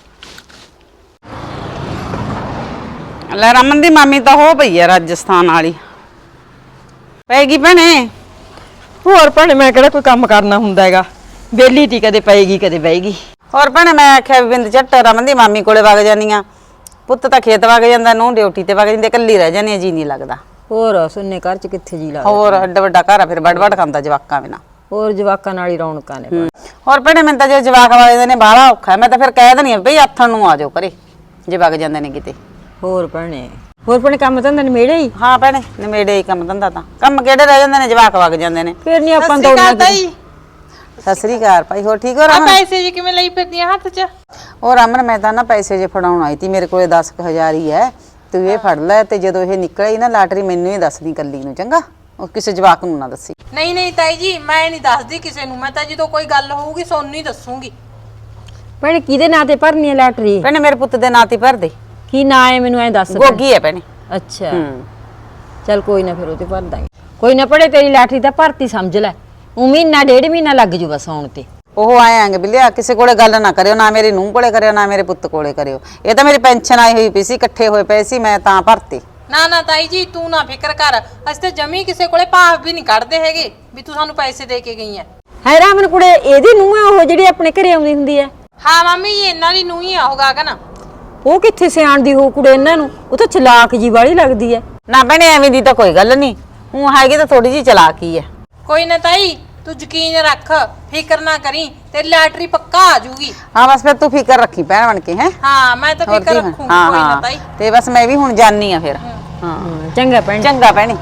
ਲੈ ਰਮਨ ਦੀ ਮਾਮੀ ਤਾਂ ਹੋ ਪਈ ਆ ਰਾਜਸਥਾਨ ਵਾਲੀ। ਪੈਗੀ ਭੈਣੇ।
ਹੋਰ ਭੈਣੇ ਮੈਂ ਕਿਹੜਾ ਕੋਈ ਕੰਮ ਕਰਨਾ ਹੁੰਦਾ ਹੈਗਾ, ਵਿਹਲੀ ਤੀ ਕਦੇ ਪਏਗੀ ਕਦੇ ਬਹਿਗੀ।
ਹੋਰ ਭੈਣੇ ਮੈਂ ਆਖਿਆ ਵੀ ਬਿੰਦ ਝੱਟ ਰਮਨ ਦੀ ਮਾਮੀ ਕੋਲੇ ਵਗ ਜਾਨੀ ਆ। ਪੁੱਤ ਤਾਂ ਖੇਤ ਵਗ ਜਾਂਦਾ, ਨੂੰ ਡਿਊਟੀ ਤੇ ਵਗ ਜਾਂਦੇ, ਇਕੱਲੀ ਰਹਿ ਜਾਨੀ ਆ, ਜੀ ਨਹੀਂ ਲੱਗਦਾ।
ਹੋਰ ਸੁਣਨੇ ਘਰ ਚ ਕਿੱਥੇ ਜੀ ਲੱਗਦਾ।
ਹੋਰ ਐਡਾ ਵੱਡਾ ਘਰ ਆ, ਫਿਰ ਵੱਡ ਵੱਡ ਖਾਂਦਾ ਜਵਾਕਾਂ ਬਿਨਾ।
ਹੋਰ ਜਵਾਕਾਂ ਨਾਲ ਹੀ ਰੌਣਕਾਂ ਨੇ।
ਹੋਰ ਭੈਣੇ ਮੈਨੂੰ ਤਾਂ ਜੇ ਜਵਾਕ ਵਗਦੇ ਨੇ ਬਾਹਲਾ ਔਖਾ ਹੈ। ਮੈਂ ਤਾਂ ਫਿਰ ਕਹਿ ਦਿੰਦੀ ਆ ਬਈ ਆਥਣ ਨੂੰ ਆ ਜਾਓ ਘਰੇ ਜੇ ਵਗ ਜਾਂਦੇ ਨੇ ਕਿਤੇ।
ਹੋਰ ਭੈਣੇ ਹੋਰ ਭੈਣੇ ਕੰਮ ਤਾਂ ਨੇੜੇ ਹੀ।
ਹਾਂ ਭੈਣੇ ਨਵੇੜੇ ਹੀ ਕੰਮ ਧੰਦਾ ਤਾਂ। ਕੰਮ ਕਿਹੜੇ ਰਹਿ ਜਾਂਦੇ ਨੇ, ਜਵਾਕ ਵਗ ਜਾਂਦੇ ਨੇ।
ਫਿਰ ਨਹੀਂ ਆਪਾਂ ਦੌੜਨਾ।
ਸਤਿ ਸ੍ਰੀ ਅਕਾਲ ਭਾਈ। ਹੋਰ ਠੀਕ ਹੋ ਰਮਨ?
ਪੈਸੇ ਜੀ ਕਿਵੇਂ ਲਈ ਫਿਰਦੀਆਂ ਹੱਥ 'ਚ?
ਉਹ ਰਮਨ ਮੈਂ ਤਾਂ ਨਾ ਪੈਸੇ ਜੇ ਫੜਾਉਣ ਆਈ ਤੀ, ਮੇਰੇ ਕੋਲੇ ਦਸ ਕੁ ਹਜ਼ਾਰ ਹੀ ਹੈ। ਤੂੰ ਇਹ ਫੜ ਲੈ ਤੇ ਜਦੋਂ ਇਹ ਨਿਕਲੇ ਨਾ ਲਾਟਰੀ ਮੈਨੂੰ ਹੀ ਦੱਸਦੀ ਕੱਲੀ ਨੂੰ, ਚੰਗਾ? ਉਹ ਕਿਸੇ ਜਵਾਕ ਨੂੰ ਨਾ ਦੱਸੀ।
ਨਹੀਂ ਨਹੀਂ ਤਾਈ ਜੀ ਮੈਂ ਨਹੀਂ ਦੱਸਦੀ ਕਿਸੇ ਨੂੰ। ਮੈਂ ਤਾਂ ਜਦੋਂ ਕੋਈ ਗੱਲ ਹੋਊਗੀ ਸੋਨੂੰ ਹੀ ਦੱਸੂਗੀ।
ਭੈਣੇ ਕਿਹਦੇ ਨਾਂ ਤੇ ਭਰਨੀ ਹੈ ਲਾਟਰੀ?
ਭੈਣੇ ਮੇਰੇ ਪੁੱਤ ਦੇ ਨਾਂ ਤੇ ਭਰ ਦੇ।
ਕੀ ਨਾਂ ਹੈ ਮੈਨੂੰ ਐ ਦੱਸ।
ਗੋਗੀ ਹੈ ਭੈਣੇ।
ਅੱਛਾ
ਹੂੰ
ਚੱਲ ਕੋਈ ਨਾ ਫਿਰ ਉਹ ਤੇ ਭਰ ਦਾਂਗੇ। ਕੋਈ ਨਾ ਭੜੇ ਤੇਰੀ ਲਾਟਰੀ ਤਾਂ ਭਰਤੀ ਸਮਝ ਲੈ। ਉਹ ਮਹੀਨਾ ਡੇਢ ਮਹੀਨਾ ਲੱਗ ਜੂ ਬਸ ਆਉਣ ਤੇ।
ਉਹ ਆਏ ਆਂਗੇ ਬਿਲਿਆ, ਕਿਸੇ ਕੋਲੇ ਗੱਲ ਨਾ ਕਰਿਓ, ਨਾ ਮੇਰੀ ਨੂੰਹ ਕੋਲੇ ਕਰਿਓ, ਨਾ ਮੇਰੇ ਪੁੱਤ ਕੋਲੇ ਕਰਿਓ। ਇਹ ਤਾਂ ਮੇਰੀ ਪੈਨਸ਼ਨ ਆਈ ਹੋਈ ਪਈ ਸੀ, ਇਕੱਠੇ ਹੋਏ ਪਏ ਸੀ, ਮੈਂ ਤਾਂ ਭਰਤੀ।
ਨਾ ਨਾ ਤਾਈ ਜੀ ਤੂੰ ਨਾ ਫਿਕਰ ਕਰ। ਅਸੀਂ ਤਾਂ ਜਮੀ ਕਿਸੇ ਕੋਲੇ ਭਾਵ ਵੀ ਨਹੀਂ ਕੱਢਦੇ ਹੈਗੇ ਵੀ ਤੂੰ ਸਾਨੂੰ ਪੈਸੇ ਦੇ ਕੇ ਗਈ ਐ।
ਹੈ ਰਾਮਨ ਕੁੜੇ ਇਹਦੀ ਨੂੰਹ ਹੈ ਉਹ ਜਿਹੜੀ ਆਪਣੇ ਘਰੇ ਆਉਂਦੀ ਹੁੰਦੀ ਹੈ?
ਹਾਂ ਮੰਮੀ ਜੀ ਇਹਨਾਂ ਦੀ ਨੂੰਹ ਹੀ ਆ ਉਹ ਗਾਗਨ।
ਉਹ ਕਿੱਥੇ ਸਿਆਣਦੀ ਹੋ ਕੁੜੇ ਇਹਨਾਂ ਨੂੰ? ਉਹ ਤਾਂ ਚਲਾਕ ਜੀ ਵਾਲੀ ਲੱਗਦੀ ਹੈ।
ਨਾ ਭੈਣੇ ਐਵੇਂ ਦੀ ਤਾਂ ਕੋਈ ਗੱਲ ਨਹੀਂ, ਉਹ ਹੈਗੀ ਤਾਂ ਥੋੜੀ ਜਿਹੀ ਚਲਾਕੀ ਹੈ।
ਕੋਈ ਨਾ ਤਾਈ ਤੂੰ ਯਕੀਨ ਰੱਖ, ਫਿਕਰ ਨਾ ਕਰੀ, ਤੇਰੀ ਲਾਟਰੀ ਪੱਕਾ ਆ ਜੂਗੀ।
ਹਾਂ ਬਸ ਫਿਰ ਤੂੰ ਫਿਕਰ ਰੱਖੀ ਭੈਣ ਬਣ ਕੇ। ਹੈ
ਹਾਂ ਮੈਂ ਤਾਂ ਫਿਕਰ ਰੱਖੂਗੀ ਕੋਈ ਨਾ ਤਾਈ।
ਤੇ ਬਸ ਮੈਂ ਵੀ ਹੁਣ ਜਾਣੀ ਆ ਫਿਰ। ਹਾਂ
ਚੰਗਾ ਭੈਣ।
ਚੰਗਾ ਭੈਣੇ।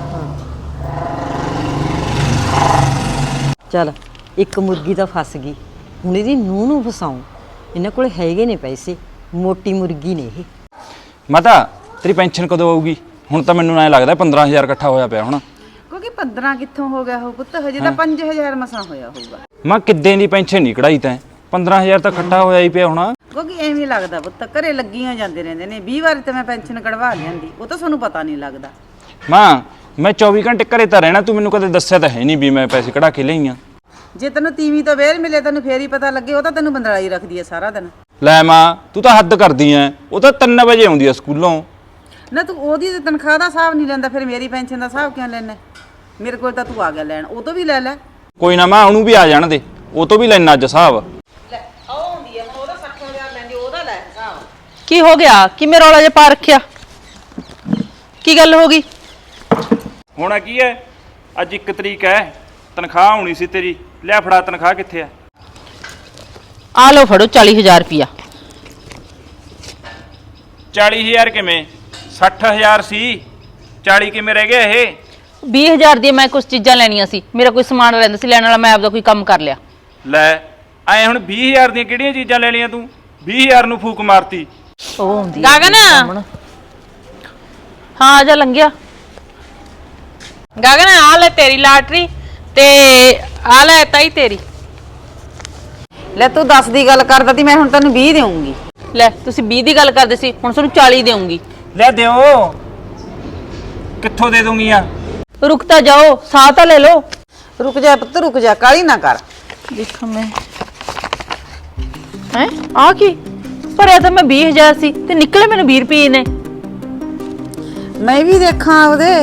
ਚੱਲ ਇੱਕ ਮੁਰਗੀ ਤਾਂ ਫਸ ਗਈ, ਹੁਣ ਇਹਦੀ ਨੂੰਹ ਨੂੰ ਫਸਾਉਂ। ਇਹਨਾਂ ਕੋਲੇ ਹੈਗੇ ਨੇ ਪੈਸੇ, ਮੋਟੀ ਮੁਰਗੀ ਨੇ ਇਹ।
ਮਾਤਾ ਤੇਰੀ ਪੈਨਸ਼ਨ ਕਦੋਂ ਆਊਗੀ? ਹੁਣ ਤਾਂ ਮੈਨੂੰ ਐ ਲੱਗਦਾ ਪੰਦਰਾਂ ਹਜ਼ਾਰ ਇਕੱਠਾ ਹੋਇਆ ਪਿਆ ਹੁਣ।
ਕਿਉਂਕਿ ਪੰਦਰਾਂ ਕਿੱਥੋਂ ਹੋ ਗਿਆ ਹੋ ਪੁੱਤ, ਹਜੇ ਤਾਂ ਪੰਜ ਹਜ਼ਾਰ ਮਸਾਂ ਹੋਇਆ ਹੋਊਗਾ।
ਮੈਂ ਕਿੱਦਾਂ ਦੀ ਪੈਨਸ਼ਨ ਨਹੀਂ ਕਢਾਈ ਤੈਂ? ਪੰਦਰਾਂ ਹਜ਼ਾਰ ਤਾਂ ਇਕੱਠਾ ਹੋਇਆ ਹੀ ਪਿਆ ਹੁਣ।
ਕਿਉਂਕਿ ਐਵੇਂ ਲੱਗਦਾ ਪੁੱਤ, ਘਰੇ ਲੱਗੀਆਂ ਜਾਂਦੇ ਰਹਿੰਦੇ ਨੇ। ਵੀਹ ਵਾਰੀ ਤਾਂ ਮੈਂ ਪੈਨਸ਼ਨ ਕਢਵਾ ਲਿਆਂਦੀ, ਉਹ ਤਾਂ ਤੁਹਾਨੂੰ ਪਤਾ ਨਹੀਂ ਲੱਗਦਾ।
ਮਾਂ ਮੈਂ ਚੌਵੀ ਘੰਟੇ ਘਰੇ ਤਾਂ ਰਹਿਣਾ, ਤੂੰ ਮੈਨੂੰ ਕਦੇ ਦੱਸਿਆ ਤਾਂ ਹੈ ਨਹੀਂ ਵੀ ਮੈਂ ਪੈਸੇ ਕਢਾ ਕੇ ਲਈਆਂ।
ਜੇ ਤੈਨੂੰ ਤੀਵੀਂ ਤੋਂ ਵੇਲ ਮਿਲੇ ਤੈਨੂੰ ਫੇਰ ਹੀ ਪਤਾ ਲੱਗੇ। ਉਹ ਤਾਂ ਤੈਨੂੰ ਬੰਦਲਾਈ ਰੱਖਦੀ ਹੈ ਸਾਰਾ ਦਿਨ।
ਲੈ ਮਾਂ ਤੂੰ ਤਾਂ ਹੱਦ ਕਰਦੀ ਐ। ਉਹ ਤਾਂ ਤਿੰਨ ਵਜੇ ਆਉਂਦੀ ਆ ਸਕੂਲੋਂ।
ਨਾ ਤੂੰ ਉਹਦੀ ਤਨਖਾਹ ਦਾ ਹਿਸਾਬ ਨਹੀਂ ਲੈਂਦਾ, ਫਿਰ ਮੇਰੀ ਪੈਨਸ਼ਨ ਦਾ ਹਿਸਾਬ ਕਿਉਂ ਲੈਣਾ? ਮੇਰੇ ਕੋਲ ਤਾਂ ਤੂੰ ਆ ਗਿਆ ਲੈਣ, ਉਹ ਤੋਂ ਵੀ ਲੈ ਲੈ।
ਕੋਈ ਨਾ ਮਾਂ ਉਹਨੂੰ ਵੀ ਆ ਜਾਣ ਦੇ, ਉਹ ਤੋਂ ਵੀ ਲੈਣਾ ਅੱਜ ਹਿਸਾਬ।
ਕੀ ਹੋ ਗਿਆ? ਕਿਵੇਂ ਰੌਲਾ ਜਿਹਾ ਪਾ ਰੱਖਿਆ? ਕੀ ਗੱਲ ਹੋ ਗਈ?
ਹੋਣਾ ਕੀ ਐ, ਅੱਜ ਇੱਕ ਤਰੀਕ ਐ, ਤਨਖਾਹ ਆਉਣੀ ਸੀ ਤੇਰੀ। ਲਿਆ ਫੜਾ ਤਨਖਾਹ ਕਿੱਥੇ ਐ?
ਆ ਲਓ ਫੜੋ ਚਾਲੀ ਹਜ਼ਾਰ ਰੁਪਿਆ।
ਚਾਲੀ ਹਜ਼ਾਰ ਕਿਵੇਂ? ਸੱਠ ਹਜ਼ਾਰ ਸੀ, ਚਾਲੀ ਕਿਵੇਂ ਰਹਿ ਗਿਆ ਇਹ?
ਵੀਹ ਹਜ਼ਾਰ ਦੀ ਮੈਂ ਕੁਝ ਚੀਜ਼ਾਂ ਲੈਣੀਆਂ ਸੀ, ਮੇਰਾ ਕੋਈ ਸਮਾਨ ਰਹਿੰਦਾ ਸੀ ਲੈਣ ਵਾਲਾ, ਮੈਂ ਆਪਦਾ ਕੋਈ ਕੰਮ ਕਰ ਲਿਆ।
ਲੈ ਐ ਹੁਣ ਵੀਹ ਹਜ਼ਾਰ ਦੀਆਂ ਕਿਹੜੀਆਂ ਚੀਜ਼ਾਂ ਲੈ ਲਈਆਂ ਤੂੰ? ਵੀਹ ਹਜ਼ਾਰ ਨੂੰ ਫੂਕ ਮਾਰਤੀ।
ਉਹ ਹੁੰਦੀ
ਗਗਨ
ਹਾਂ ਆ ਜਾ ਲੰਘਿਆ।
ਗਗਨ ਆ ਲੈ ਤੇਰੀ ਲਾਟਰੀ ਤੇ ਆ ਲੈ ਤਾਈ ਤੇਰੀ।
ਲੈ ਤੂੰ ਦਸ ਦੀ ਗੱਲ ਕਰਦਾ ਤੀ, ਮੈਂ ਹੁਣ ਤੈਨੂੰ ਵੀਹ ਦੇਵਾਂਗੀ।
ਲੈ ਤੁਸੀਂ ਵੀਹ ਦੀ ਗੱਲ ਕਰਦੇ ਸੀ, ਹੁਣ ਤੁਹਾਨੂੰ ਚਾਲੀ ਦੇਵਾਂਗੀ।
ਲੈ ਦਿਓ, ਕਿੱਥੋਂ ਦੇ ਦੂੰਗੀਆਂ?
ਰੁਕ ਤਾਂ ਜਾਓ, ਸਾਹ ਤਾਂ ਲੈ ਲਓ।
ਰੁਕ ਜਾ ਪੁੱਤ ਰੁਕ ਜਾ, ਕਾਲੀ ਨਾ ਕਰ।
ਦੇਖਾਂ ਮੈਂ ਹੈ ਆ ਕੀ ਭਰਿਆ ਤਾਂ ਮੈਂ ਵੀਹ ਹਜ਼ਾਰ ਸੀ ਤੇ ਨਿਕਲੇ ਮੈਨੂੰ ਵੀਹ ਰੁਪਏ ਨੇ।
ਮੈਂ ਵੀ ਦੇਖਾਂ ਉਹਦੇ।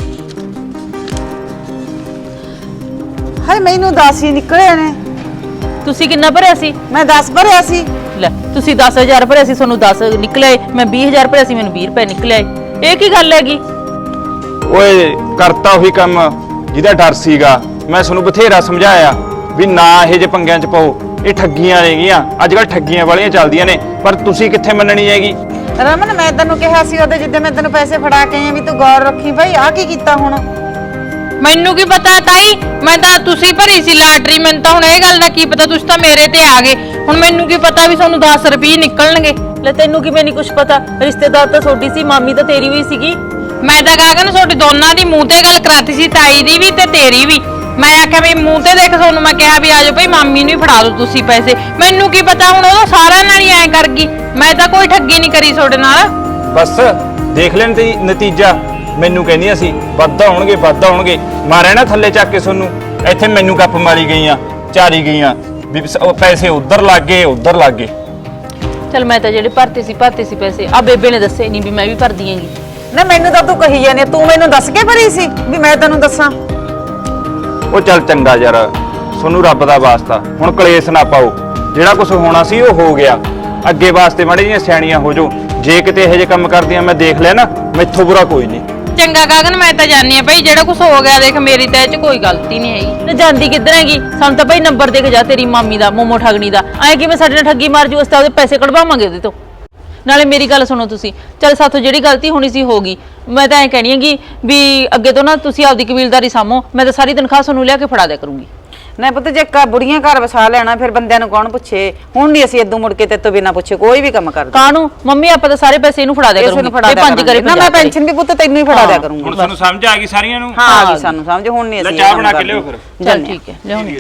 ਹਾਏ ਮੈਨੂੰ ਦਸ ਹੀ ਨਿਕਲੇ ਨੇ।
ਤੁਸੀਂ ਕਿੰਨਾ ਭਰਿਆ ਸੀ?
ਮੈਂ ਦਸ ਭਰਿਆ ਸੀ।
ਲੈ ਤੁਸੀਂ ਦਸ ਹਜ਼ਾਰ ਭਰਿਆ ਸੀ, ਤੁਹਾਨੂੰ ਦਸ ਨਿਕਲੇ। ਮੈਂ ਵੀਹ ਹਜ਼ਾਰ ਭਰਿਆ ਸੀ, ਮੈਨੂੰ ਵੀਹ ਰੁਪਏ ਨਿਕਲੇ। ਇਹ ਕੀ ਗੱਲ ਹੈਗੀ?
ਓਏ ਕਰਤਾ ਉਹੀ ਕੰਮ ਜਿਹਦਾ ਡਰ ਸੀਗਾ। ਮੈਂ ਤੁਹਾਨੂੰ ਬਥੇਰਾ ਸਮਝਾਇਆ ਵੀ ਨਾ ਇਹ ਜੇ ਪੰਗਿਆਂ 'ਚ ਪਾਓ, ਇਹ ਠੱਗੀਆਂ ਨੇਗੀਆਂ। ਅੱਜ ਕੱਲ ਠੱਗੀਆਂ ਵਾਲੀਆਂ ਚੱਲਦੀਆਂ ਨੇ, ਪਰ ਤੁਸੀਂ ਕਿੱਥੇ ਮੰਨਣੀ ਹੈਗੀ।
ਰਮਨ ਮੈਂ ਤੈਨੂੰ ਕਿਹਾ ਸੀ ਉਹਦੇ ਜਿੱਦੇ ਮੈਂ ਤੈਨੂੰ ਪੈਸੇ ਫੜਾ ਕੇ ਆਈ ਵੀ ਤੂੰ ਗੌਰ ਰੱਖੀ। ਭਾਈ ਆ ਕੀ ਕੀਤਾ ਹੁਣ?
ਮੈਨੂੰ ਕੀ ਪਤਾ ਤਾਈ, ਮੈਂ ਤਾਂ ਤੁਸੀਂ ਭਰੀ ਸੀ ਲਾਟਰੀ, ਮੈਨੂੰ ਤਾਂ ਹੁਣ ਇਹ ਗੱਲ ਦਾ ਕੀ ਪਤਾ, ਤੁਸੀਂ ਤਾਂ ਮੇਰੇ ਤੇ ਆ ਗਏ। ਹੁਣ ਮੈਨੂੰ ਕੀ ਪਤਾ ਵੀ ਤੁਹਾਨੂੰ ਦਸ ਰੁਪਏ ਨਿਕਲਣਗੇ।
ਲੈ ਤੈਨੂੰ ਕਿਵੇਂ ਨਹੀਂ ਕੁਝ ਪਤਾ, ਰਿਸ਼ਤੇਦਾਰ ਤਾਂ ਛੋਟੀ ਸੀ, ਮਾਮੀ ਤਾਂ ਤੇਰੀ ਵੀ ਸੀਗੀ।
ਮੈਂ ਤਾਂ ਗਾਗਨ ਤੁਹਾਡੇ ਦੋਨਾਂ ਦੀ ਮੂੰਹ ਤੇ ਗੱਲ ਕਰਾਤੀ ਸੀ, ਤਾਈ ਦੀ ਵੀ ਤੇ ਤੇਰੀ ਵੀ। ਮੈਂ ਆਖਿਆ ਵੀ ਮੂੰਹ ਤੇ ਦੇਖ ਤੁਹਾਨੂੰ, ਮੈਂ ਕਿਹਾ ਵੀ ਆਜੋ ਭਾਈ ਮਾਮੀ ਨੂੰ ਵੀ ਫੜਾ ਦਿਓ ਤੁਸੀਂ ਪੈਸੇ। ਮੈਨੂੰ ਕੀ ਪਤਾ ਹੁਣ ਉਹ ਸਾਰਿਆਂ ਨਾਲ ਹੀ ਐ ਕਰ ਗਈ, ਮੈਂ ਤਾਂ ਕੋਈ ਠੱਗੀ ਨਹੀਂ ਕਰੀ ਤੁਹਾਡੇ ਨਾਲ।
ਬਸ ਦੇਖ ਲੈਣ ਤੇ ਨਤੀਜਾ। ਮੈਨੂੰ ਕਹਿੰਦੀਆਂ ਸੀ ਵੱਧ ਆਉਣਗੇ ਵੱਧ ਆਉਣਗੇ, ਮਾਰਿਆ ਨਾ ਥੱਲੇ ਚੱਕ ਕੇ ਤੁਹਾਨੂੰ। ਇੱਥੇ ਮੈਨੂੰ ਗੱਪ ਮਾਰੀ ਗਈਆਂ, ਚਾਰੀ ਗਈਆਂ ਵੀ ਉਹ ਪੈਸੇ ਉਧਰ ਲੱਗ ਗਏ ਉਧਰ ਲੱਗ ਗਏ।
ਚਲ ਮੈਂ ਤਾਂ ਜਿਹੜੇ ਭਰਤੇ ਸੀ ਭਰਤੇ ਸੀ ਪੈਸੇ, ਆ ਬੇਬੇ ਨੇ ਦੱਸੇ ਨਹੀਂ ਵੀ ਮੈਂ ਵੀ ਭਰਦੀ ਆਂਗੀ।
ਨਾ ਮੈਨੂੰ ਤਾਂ ਤੂੰ ਕਹੀ ਜਾਂਦੀ, ਤੂੰ ਮੈਨੂੰ ਦੱਸ ਕੇ ਭਰੀ ਸੀ ਵੀ ਮੈਂ ਤੈਨੂੰ ਦੱਸਾਂ।
ਉਹ ਚੱਲ ਚੰਗਾ ਯਾਰ, ਤੁਹਾਨੂੰ ਰੱਬ ਦਾ ਵਾਸਤਾ ਹੁਣ ਕਲੇਸ਼ ਨਾ ਪਾਓ। ਜਿਹੜਾ ਕੁਝ ਹੋਣਾ ਸੀ ਉਹ ਹੋ ਗਿਆ, ਅੱਗੇ ਵਾਸਤੇ ਮਾੜੇ ਜਿਹੀਆਂ ਸਿਆਣੀਆਂ ਹੋ ਜਾਓ। ਜੇ ਕਿਤੇ ਇਹੋ ਜਿਹੇ ਕੰਮ ਕਰਦੀਆਂ ਮੈਂ ਦੇਖ ਲਿਆ ਨਾ, ਮੈਥੋਂ ਬੁਰਾ ਕੋਈ ਨਹੀਂ।
ਚੰਗਾ ਗਾਗਨ, ਮੈਂ ਤਾਂ ਜਾਣੀ ਆ ਭਾਈ, ਜਿਹੜਾ ਕੁਝ ਹੋ ਗਿਆ ਦੇਖ ਮੇਰੀ ਤਾਂ ਇਹ ਚ ਕੋਈ ਗਲਤੀ ਨਹੀਂ ਹੈਗੀ।
ਨਾ ਜਾਂਦੀ ਕਿੱਧਰ ਹੈਗੀ, ਸਾਨੂੰ ਤਾਂ ਭਾਈ ਨੰਬਰ ਦੇ ਕੇ ਜਾ ਤੇਰੀ ਮਾਮੀ ਦਾ, ਮੋਮੋ ਠਗਣੀ ਦਾ। ਐ ਕਿਵੇਂ ਸਾਡੇ ਨਾਲ ਠੱਗੀ ਮਾਰ ਜੂ, ਅਸੀਂ ਤਾਂ ਉਹਦੇ ਪੈਸੇ ਕਢਵਾਵਾਂਗੇ ਉਹਦੇ ਤੋਂ। ਨਾਲੇ ਮੇਰੀ ਗੱਲ ਸੁਣੋ ਤੁਸੀਂ, ਚੱਲ ਸਾਥੋਂ ਜਿਹੜੀ ਗਲਤੀ ਹੋਣੀ ਸੀ ਹੋ ਗਈ। ਮੈਂ ਤਾਂ ਐ ਕਹਿਣੀ ਹੈਗੀ ਵੀ ਅੱਗੇ ਤੋਂ ਨਾ ਤੁਸੀਂ ਆਪਦੀ ਕਬੀਲਦਾਰੀ ਸਾਂਭੋ, ਮੈਂ ਤਾਂ ਸਾਰੀ ਤਨਖਾਹ ਤੁਹਾਨੂੰ ਲਿਆ ਕੇ ਫੜਾ ਦਿਆ ਕਰੂੰਗੀ।
ਨਾ ਪੁੱਤ, ਜੇ ਕਾ ਬੁੜੀਆਂ ਘਰ ਵਸਾ ਲੈਣਾ ਫਿਰ ਬੰਦਿਆਂ ਨੂੰ ਕੌਣ ਪੁੱਛੇ। ਹੁਣ ਨਹੀਂ ਅਸੀਂ ਇਦੋਂ ਮੁੜ ਕੇ ਤੇ ਤੋਂ ਬਿਨਾ ਪੁੱਛੇ ਕੋਈ ਵੀ ਕੰਮ ਕਰਦੇ।
ਕਾਹਨੂੰ ਮੰਮੀ, ਆਪਾਂ ਤਾਂ ਸਾਰੇ ਪੈਸੇ ਇਹਨੂੰ ਫੜਾ ਦਿਆ ਕਰੂੰਗੀ।
ਫੜਾ ਦਿਆ
ਪੰਜ ਕਰੇ
ਨਾ, ਮੈਂ ਪੈਨਸ਼ਨ ਵੀ ਪੁੱਤ ਤੈਨੂੰ ਹੀ ਫੜਾ ਦਿਆ ਕਰੂੰਗੀ।
ਹੁਣ ਤੁਹਾਨੂੰ ਸਮਝ ਆ ਗਈ ਸਾਰੀਆਂ ਨੂੰ?
ਹਾਂ ਆ ਗਈ ਸਾਨੂੰ ਸਮਝ, ਹੁਣ ਨਹੀਂ
ਲੈ
ਅਸੀਂ
ਚਾਹ ਬਣਾ ਕੇ ਲਿਓ ਫਿਰ।
ਚੱਲ ਠੀਕ ਹੈ, ਲਿਆਉਣੀ।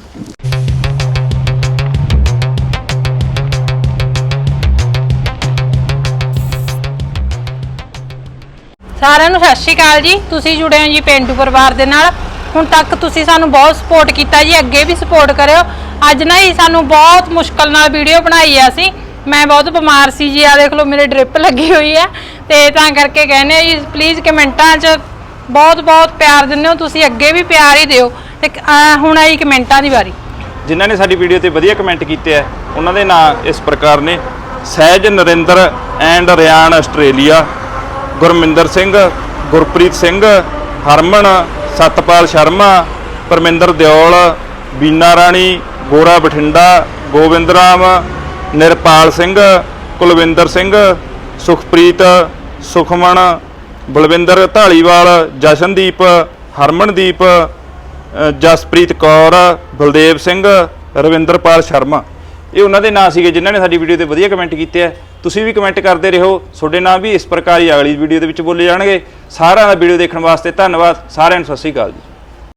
ਸਾਰਿਆਂ ਨੂੰ ਸਤਿ ਸ਼੍ਰੀ ਅਕਾਲ ਜੀ। ਤੁਸੀਂ ਜੁੜੇ ਹੋ ਜੀ ਪੇਂਡੂ ਪਰਿਵਾਰ ਦੇ ਨਾਲ। ਹੁਣ ਤੱਕ ਤੁਸੀਂ ਸਾਨੂੰ ਬਹੁਤ ਸਪੋਰਟ ਕੀਤਾ ਜੀ, ਅੱਗੇ ਵੀ ਸਪੋਰਟ ਕਰਿਓ। ਅੱਜ ਨਾ ਹੀ ਸਾਨੂੰ ਬਹੁਤ ਮੁਸ਼ਕਲ ਨਾਲ ਵੀਡੀਓ ਬਣਾਈ ਆ ਅਸੀਂ, ਮੈਂ ਬਹੁਤ ਬਿਮਾਰ ਸੀ ਜੀ, ਆ ਦੇਖ ਲਓ ਮੇਰੇ ਡ੍ਰਿਪ ਲੱਗੀ ਹੋਈ ਆ, ਤੇ ਤਾਂ ਕਰਕੇ ਕਹਿੰਦੇ ਆ ਜੀ ਪਲੀਜ਼ ਕਮੈਂਟਾਂ 'ਚ ਬਹੁਤ ਬਹੁਤ ਪਿਆਰ ਦਿੰਦੇ ਹੋ ਤੁਸੀਂ, ਅੱਗੇ ਵੀ ਪਿਆਰ ਹੀ ਦਿਓ। ਤੇ ਹੁਣ ਆਈ ਕਮੈਂਟਾਂ ਦੀ ਵਾਰੀ।
ਜਿਨ੍ਹਾਂ ਨੇ ਸਾਡੀ ਵੀਡੀਓ ਤੇ ਵਧੀਆ ਕਮੈਂਟ ਕੀਤੇ ਆ ਉਹਨਾਂ ਦੇ ਨਾਂ ਇਸ ਪ੍ਰਕਾਰ ਨੇ: Sahaj Narinder and Ryan Australia, Gurminder Singh, Gurpreet Singh, Harman, Satpal Sharma, Parminder Deol, Bina Rani, Gora Bathinda, Gobind Ram, ਨਿਰਪਾਲ Singh, Kulwinder Singh, Sukhpreet, Sukhman, Balwinder Dhaliwal, Jashandeep, Harmandeep, Jaspreet Kaur, Baldev Singh, Ravinderpal Sharma. ਇਹ ਉਹਨਾਂ ਦੇ ਨਾਂ ਸੀਗੇ ਜਿਨ੍ਹਾਂ ਨੇ ਸਾਡੀ ਵੀਡੀਓ ਤੇ ਵਧੀਆ ਕਮੈਂਟ ਕੀਤੇ ਆ। ਤੁਸੀਂ ਵੀ ਕਮੈਂਟ ਕਰਦੇ ਰਹੋ, ਤੁਹਾਡੇ ਨਾਂ ਵੀ ਇਸ ਪ੍ਰਕਾਰ ਹੀ ਅਗਲੀ ਵੀਡੀਓ ਦੇ ਵਿੱਚ ਬੋਲੇ ਜਾਣਗੇ। ਸਾਰਿਆਂ ਦਾ ਵੀਡੀਓ ਦੇਖਣ ਵਾਸਤੇ ਧੰਨਵਾਦ। ਸਾਰਿਆਂ ਨੂੰ ਸਤਿ ਸ਼੍ਰੀ ਅਕਾਲ ਜੀ।